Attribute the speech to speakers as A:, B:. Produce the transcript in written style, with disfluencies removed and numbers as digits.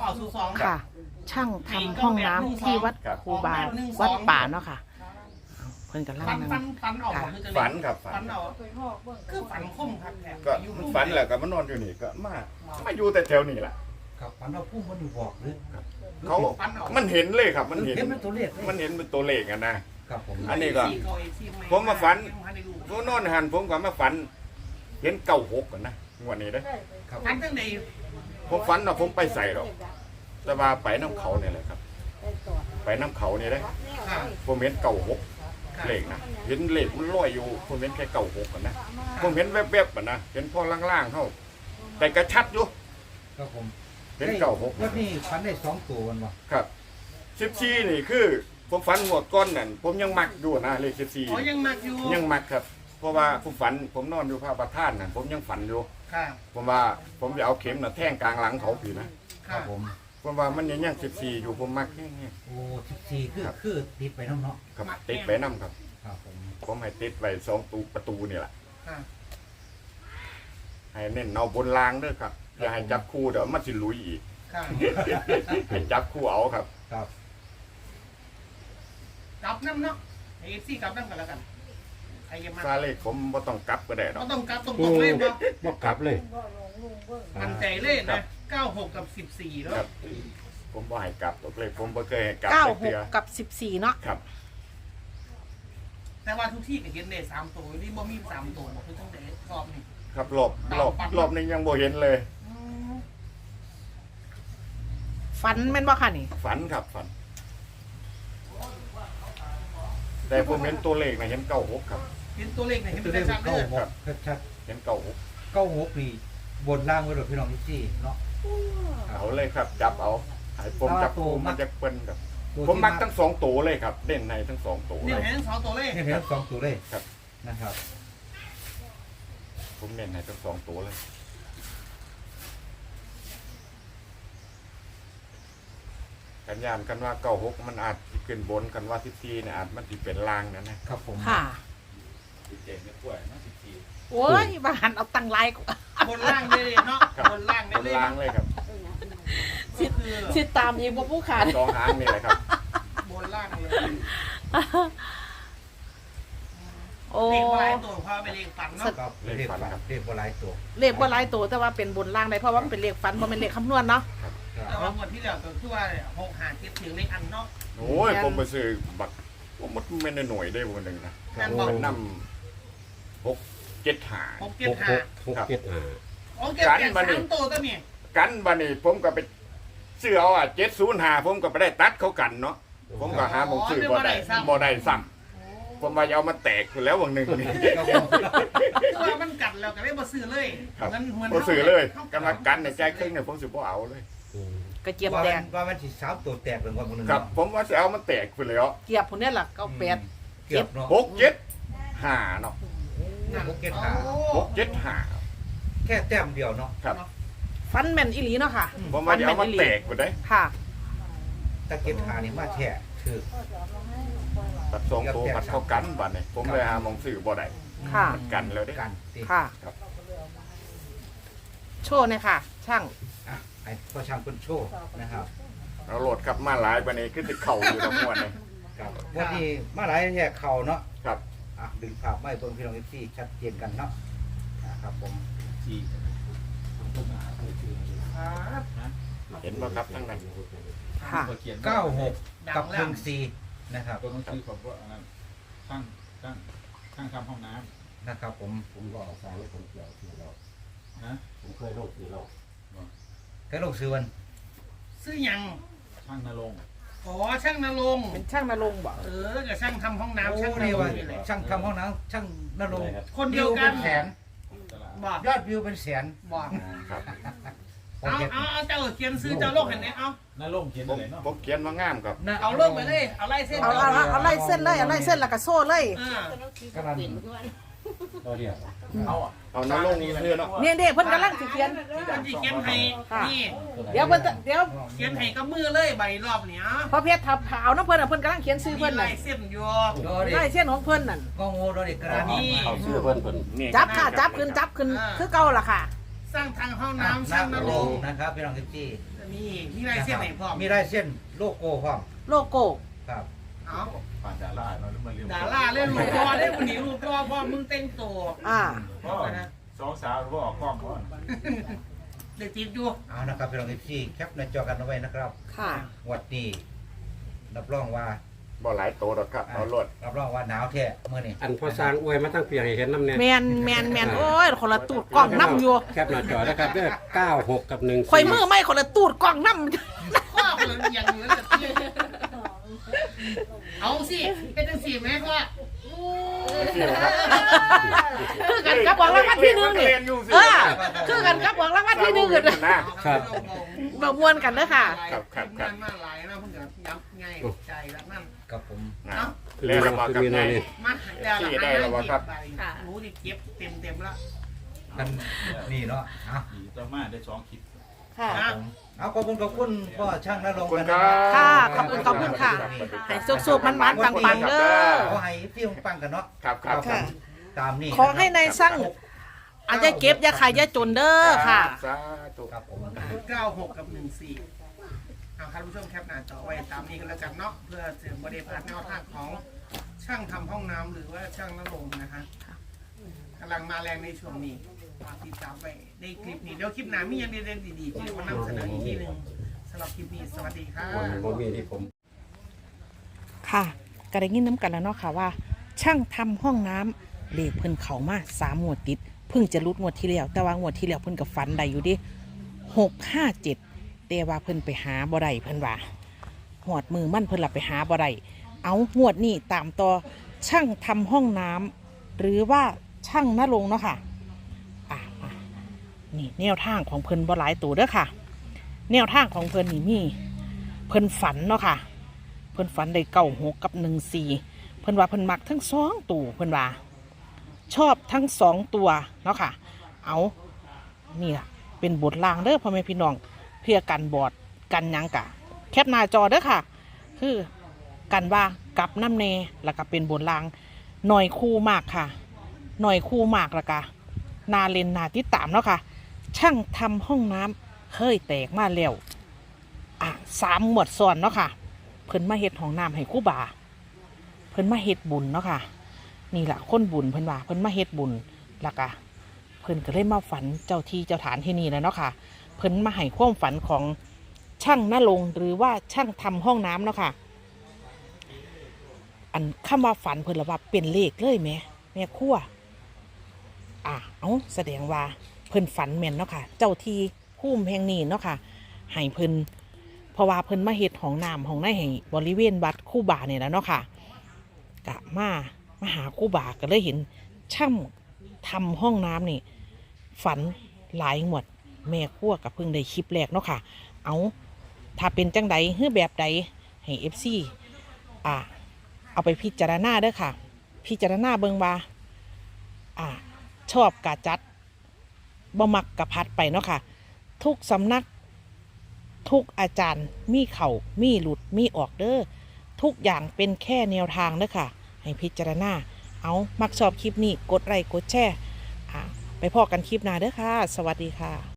A: 902
B: ค่ะ ช่างทำห้องน้ำที่วัดครูบาวัดป่าเนาะค่ะเพิ่นกำลัง
A: ฝัน
B: นั่ง
A: ฝันออกบ่คือจะ
C: ฝันครับฝั
A: ฝั
C: น
A: นเอาคือฝันคมครับแท้
C: ก็มันฝันแหละก็มานอนอยู่นี่ก็มาอยู่แต่แถวนี้แหละ
D: ครับฝันเราพุ่งมันอยู่บอกหรือ
C: เขามันเห็นเลยครับมันเห็น
D: เห็นเป็นตัวเลขเลย
C: มันเห็นเป็นตัวเลขอะนะครับ
D: ผม
C: อันนี้ก็ ผมมาฝัน ผมนอนหันผมก็มาฝัน เห็น96กันนะงวดนี้เด้อ
D: ครับ
A: ฝันตั้งแต่
C: ผมฝันว่าผมไปใส่หรอกแต่ว่าไปน้ำเขาเนี่ยแหละครับ ไปน้ำเขานี่เด้อ
A: ค่ะ
C: ผมเห็น96เลขนะเห็นเลขมันลอยอยู่ผมเห็นแค่96กันนะผมเห็นแวบๆอ่ะนะเห็นพอล่างๆเท่าแต่กระชัดอยู่
D: ครับผม
C: เห็น96
D: วันนี้ฝันได้2ตัววันวะ
C: ครับ14นี่คือผมฝันหมดก้อนนั่นผมยังมักอยู่นะเลข
A: อ๋อยังมักอยู่
C: 14ยังมักครับ เพราะว่าผมฝันผมนอนอยู่พระประธานนั่นผมยังฝันอยู่
A: ค่ะ
C: ผมว่าผมจะเอาเข็มน่ะแทงกลางหลังเขาผีนะ
D: ครั
A: ค่ะ
D: บผม
C: ผมว่ามันยัง14อยู่ผมมักแค่นี้
D: โอ้14คือติดไปน้ำเนาะ
C: ครับติดไปนํครับ
D: ครับผม
C: ผมให้ติดไว้2ประตูนี่แหละ
A: ค่ะ
C: ให้เน้นเอาบนรางเด้อครับอย่าให้จับคู่เดี๋ยวมันสิลุยอีก
A: ค่ะ
C: ให้จับคู่เอาครับ
D: ครับ
A: กลับน้ำเนาะไอ้ซี่กลับน้ำกันแล้วกันใครจะมา
C: ซาเลขผมบ่ต้องกลับก็ได้ดอ
A: เรา
C: ก
A: ต้องกลับตรงๆเลยบ่
E: บ่กลับเลย
A: มันใจเล่นนะ96กับ14แล้ว
C: ครับ ผมบ่ให้กลับตกเลขผมบ่เคยให้กลับ
B: เก้า
C: จัก
B: ห
C: เทื่
B: ก
C: อ
B: กับ14เนาะ
C: ครับ
A: แต่ว่าทุกที่ก็เห็นได้3ตัวนี่บ่มี3ตัวบ่คือตั้งแต่รอบนี้
C: ครับรอบนี้ยังบ่เห็นเลย
A: อืม
B: ฝันแม่นบ่ค่ะนี่
C: ฝันครับฝัน แต่ผมเห็นตัวเลขนะเห็น96ครับ
A: เห็นตัวเลขไหนเห็น
D: ตัว
A: เป็น
D: เลข
A: ชัดๆเด้อ
D: 96ชัด
C: เห็น96
D: ๆ96นี่บนล่างไว้เลยพี่น้องที่เนาะ
C: เอาเลยครับ จับเอาให้ผมจับคู่มันจะเปิ้นครับ
D: ตัว
C: ผม
D: ที่
C: มักทั้งสองตัวเลยครับเด่นในทั้งสองตัว
A: นี่
C: เลย
A: เห็น2ตัวเลข
D: เห็นสองตัวเลข
C: ครับ
D: นะครับ
C: ผมเน้นในทั้งสองตัวเลยกันยานกันว่า96มันอาจสิขึ้นบนกันว่า14เนี่ยอาจมันสิเป็นล่างนั่นนะครับ
D: ผม
B: ค่ะ
C: เจ๋งไม่กล้วยนะ14
B: โอ้ยบ้านเอาตังไลน์
A: บนล่างเลยเนาะ
C: ครับ
A: บนล่าง
C: บ
A: ได้
C: น
A: เลย
C: ล่างเลยครับ
A: ก็คือ
B: สิตามอีกบ่ผู้ขาด
C: สองหางนี่แหละครับ
A: บนล่างเลย
B: โอ้
A: เลขว่าหลายตัวพาไปเลขฝันเนาะ
D: ครับเลขฝันครับเลขบ่หลายตัว
B: เลขบ่หลายตัวแต่ว่าเป็นบนล่างได้เพราะว่ามันเป็นเลขฝันบ่แม่นเลขคำนวณเนาะ
A: แต่ว่างวดที่แล้วก็คือว่า6 5 7ถึงเลขอันเนาะ
C: โอ้ยผมไปซื้อบักผมมันไม่ได้หน่วยได้วันหนึ่งนะ
A: นั่นบอก
C: เป็นน้ำ6 7
A: 6 7
E: 6
A: 5
E: 6 7
A: โอเคเปลี่ยน3ตัวก็มี
C: กันบันนี้ผมก็ไปซื้อเอา705ผมก็ไปได้ตัดเขากันเนาะผมก็หาหมองซื้อบ่ได้ซ้ำผมว่าจะเอามาแตกอยู่แล้ววันหนึ่งนี่
D: ครับผม
A: คือว่ามันกัดแล้วก็เลยบ่ซื้อเลย
C: ครับ
A: เหมือน
C: ผมซื้อเลยกันมากันในใจครึ่งเนี่ยผมซื้อบ่เอาเลย
B: กระเจี๊ยบ
D: ว่า
B: แด
D: มั
B: ง
D: นว่ามันสิสามตัวแตกเป็นวันนึง
C: ครับ ผมว่าจะเอามันแตกไปแล้ว
B: เกียบพุ่นเนี่ยล่ะ98
D: เกือบเนาะ
C: 6 7 5เนาะ
D: 6 7 5
C: 6 7 5
D: แค่แต้มเดียวเนาะ
C: ครับ
B: ฟันแม่นอีหลีเนาะค่ะ
C: ผมว่าจะเอามันแตกไปได้
B: ค่ะ
D: ตะเกียบหานี่มาแท้คือ
C: ตัดสองตัวมันเข้ากันบัดนี้ผมเลยหาหมองซื้อบ่ได้
B: ค่ะ
C: มันกันแล้วเด้
D: กันติ
B: ค่ะ
C: ครับ
B: โชว์หน่อยค่ะ ช่าง
D: อ่ะไอ้พ่อช่างคนโชว์นะครับ
C: เราโหลดครับมาหลายบัดนี้คือสิเข้าอยู่ทั้งมวลเลย
D: ครับวันนี้มาหลายแยกเข่าเนาะ
C: ครับ
D: อ่ะดึงภาพไม่เบิ่งพี่น้องที่ชัดเจนกันเนาะนะครับผม
C: เห็นบ่ครับทั้งนั้น
B: ค่ะ
D: 96กับ14นะครับ
F: ตัวหนังสือของว่าอันนั้นช่างทำห้องน้
D: นะครับผม
E: ผมก็เอาสายผมเกี่ยวที่เรา
F: ำนะ
E: ผมเคยลงที่เรา
D: แค่ลงซื้อวัน
A: ซื้อหยัง
F: ช่างนรงค์
A: อ๋อช่างนรงค์
B: เป็นช่างนรงค์บ่
A: กับช่างทำห้องน้ำช่างน
D: นี่
A: รง
D: ว่า
A: ค์นี่แหละ
D: ช่างทำห้องน้ำช่างนรงค์
A: คนเดียวกัน
D: วิเป็นแสน
F: ตลาด
A: บอก
D: ยอดวิวเป็นแสน
A: บอก
C: ครับ
A: เอาเจ้าเขียนซื้อเจ้าโลกเห็นไหมเอา
F: นรงค์เขียน
C: ผม
F: อะไรเนาะ
C: ผมเขียนว่างามครับ
A: เอาโลกไปเลยเอาไล่เส้น
B: เอาไล่เส้นเลยเอาไล่เส้นแล้วก็โซ่เลย
D: กำลัง
E: ตัวเดียว
F: เอาอ่ะ
C: เอาน้ำลงเรือเนาะ
B: เนี่ยเด็กเพิ่นกำลังสิเขียน
A: มันจะเขียนให้นี่
B: เดี๋ยวเพิ่นจะเดี๋ยว
A: เขียนให้กับมือเลยใบรอบเนี้ย
B: พอเพชรทับขาวน้ำเพิ่นน่ะเพิ่นกำลังเขียนชื่อ
A: มี
B: เพิ่นน่ะ
A: ลายเส้นอยู่
D: รอดิ
B: ไล่เส้นของเพิ่นนั่น
D: ก็โง่รอดิกระดาษ
A: นี่
E: เอาชื่อเพิ่นเพิ่น
C: นี่
B: จับค่ะจับขึ้นคือเก่าล่ะค่ะ
A: สร้างทางห้องน้ำ
D: น้ำ
A: สร้างน
D: น
A: ร
D: รง
A: ง
D: ค์นะครับพี่น้องที่
A: มีลายเส้นไหนพร้อม
D: มีลายเส้นโลโก้พร้อม
B: โลโก้
D: ครับ
A: เอา
F: ผ่านดาราเนาะแล้วมาเรียน
A: ดาราเล่นลูกพ่อได้คนนี้ลูกพ่อมึงเต้นตัว
F: พ่อสองสาวรู้ว่าออกกล้องพ่อ
A: เด็กติดอยู่
D: เอานะครับพี่น้องเอฟซีแคปหน้าจอกันเอาไว้นะครับ
B: ค่ะ
D: งวดนี้รับรองว่า
C: บ่หลายโตหรอกครับเอารถ
D: รับรองว่าหนาวแท้เมื่อนี้
E: อันพอสร้างอวยมาตั้งเพียงให้เห็นน้ำเนี่ย
B: แมนโอ้ยคนละตูดกล้องน้ำอยู่
E: แคปหน้าจอนะครับเด้อ96กับ14
B: ข่อยมือไม่คนละตูดกล้องน้ำ
A: ข้อคนอย่างเหมือนกับที่เอาสิเป็นจังสี่ไหมพ่อ
B: คือกันกับบอกรางวัลที่หนึ่งนี่คือกันกับบอกรางวัลที่หนึ่งกัน
E: ครับ
B: แบบมวนกันเด้อค่ะ
A: มันมาหลายนะเพิ่งจะย้ำง่ายใจแล้วนั่น
D: ครับผม
C: แล้วเราบอกกับไง
A: มารู้ดิเก็บเต็มแล้ว
D: กันนี่เนาะเอา
F: ดีต่อมาได้2คลิป
B: ค่ะ
D: เอาขอบคุณพ่อช่างนรงค์กัน
B: ค่ะขอบคุณค่ะ ให้สุกๆมันๆปังๆเด้อ
D: ขอให้พี่ปังกันเนาะ
C: ครับ
D: ตามนี้
B: ขอให้ในสร้างอาจจะเก็บอย่าขายอย่าจนเด้อค่ะ
C: สาธุ
D: ครับผม
A: 96 กับ 14เอาครับผู้ชมแคปหน้าจอไว้ตามนี้กันแล้วกันเนาะเพื่อเสริมบริพาทแนวทางของช่างทำห้องน้ำหรือว่าช่างนรงค์นะฮะกำลังมาแรงในช่วงนี้ติดตามไปในคลิปนี้เดี๋ยวคลิปหน้ามีอย่างเด่นๆดีๆที่จะมานำเสนออีกทีหนึ่งสำหรับคลิปนี้สวัสดีครับ
E: ผมมีที่ผม
B: ค่ะก็ได้ยินน้ำกันแล้วเนาะค่ะว่า ช่างทำห้องน้ำเลขเพิ่นเขามา3 งวดติดเพิ่งจะรุดงวดที่แล้วแต่ว่างวดที่แล้วเพิ่นกับฝันได้อยู่ดิ657แต่ว่าเพิ่นไปหาบ่ได้เพิ่นว่าหอดมือมั่นเพิ่นหลับไปหาบ่ได้เอางวดนี้ตามต่อช่างทำห้องน้ำหรือว่าช่างนรงค์เนาะค่ะนี่แนวทางของเพิ่นบ่หลายตัวเด้อค่ะ แนวทางของเพิ่นนี่มีเพิ่นฝันเนาะค่ะเพิ่นฝันได้96กับ14เพิ่นว่าเพิ่นมักทั้ง2ตัวเพิ่นว่าชอบทั้ง2ตัวเนาะค่ะเอานี่ล่ะเป็นบทลางเด้อพ่อแม่พี่น้องเพื่อกันบอดกันหยังกะแคปหน้าจอเด้อค่ะคือกันว่ากับน้ำเนแล้วก็เป็นบทลางหน่อยคู่มากค่ะหน่อยคู่มากแล้วก็นาเลนนาติดตามเนาะค่ะช่างทำห้องน้ำเคยแตกมาแล้ว3 หมวดซ้อนเนาะค่ะเพิ่นมาเฮ็ดห้องน้ำให้ครูบาเพิ่นมาเฮ็ดบุญเนาะค่ะนี่แหละคนบุญเพิ่นว่าเพิ่นมาเฮ็ดบุญแล้วก็เพิ่นก็เลยมาฝันเจ้าที่เจ้าฐานที่นี่แล้วเนาะค่ะเพิ่นมาให้ความฝันของช่างนรงค์หรือว่าช่างทำห้องน้ำเนาะค่ะอันคำว่าฝันเพิ่นละว่าเป็นเลขเลยแม่ครัวเอาแสดงว่าเพิ่นฝันแม่นเนาะค่ะเจ้าที่ภูมิแห่งนี้เนาะค่ะให้เพิ่นเพราะว่าเพิ่นมาเฮ็ดห้องน้ำห้องในให้บริเวณวัดครูบาเนี่ยนะเนาะค่ะกะมาหาครูบาก็เลยเห็นช่างทำห้องน้ำนี่ฝันหลายงวดแม่ครัวกับเพิ่งได้คลิปแรกเนาะค่ะถ้าเป็นจังใดหรือแบบใดให้ FC เอาไปพิจารณาเด้อค่ะพิจารณาเบิ่งว่าชอบกะจัดบ่มักกะพัดไปเนาะค่ะทุกสำนักทุกอาจารย์มีเข่ามีหลุดมีออกเด้อทุกอย่างเป็นแค่แนวทางเด้อค่ะให้พิจารณาเอามักชอบคลิปนี้กดไลค์กดแชร์ไปพอกันคลิปหน้าเด้อค่ะสวัสดีค่ะ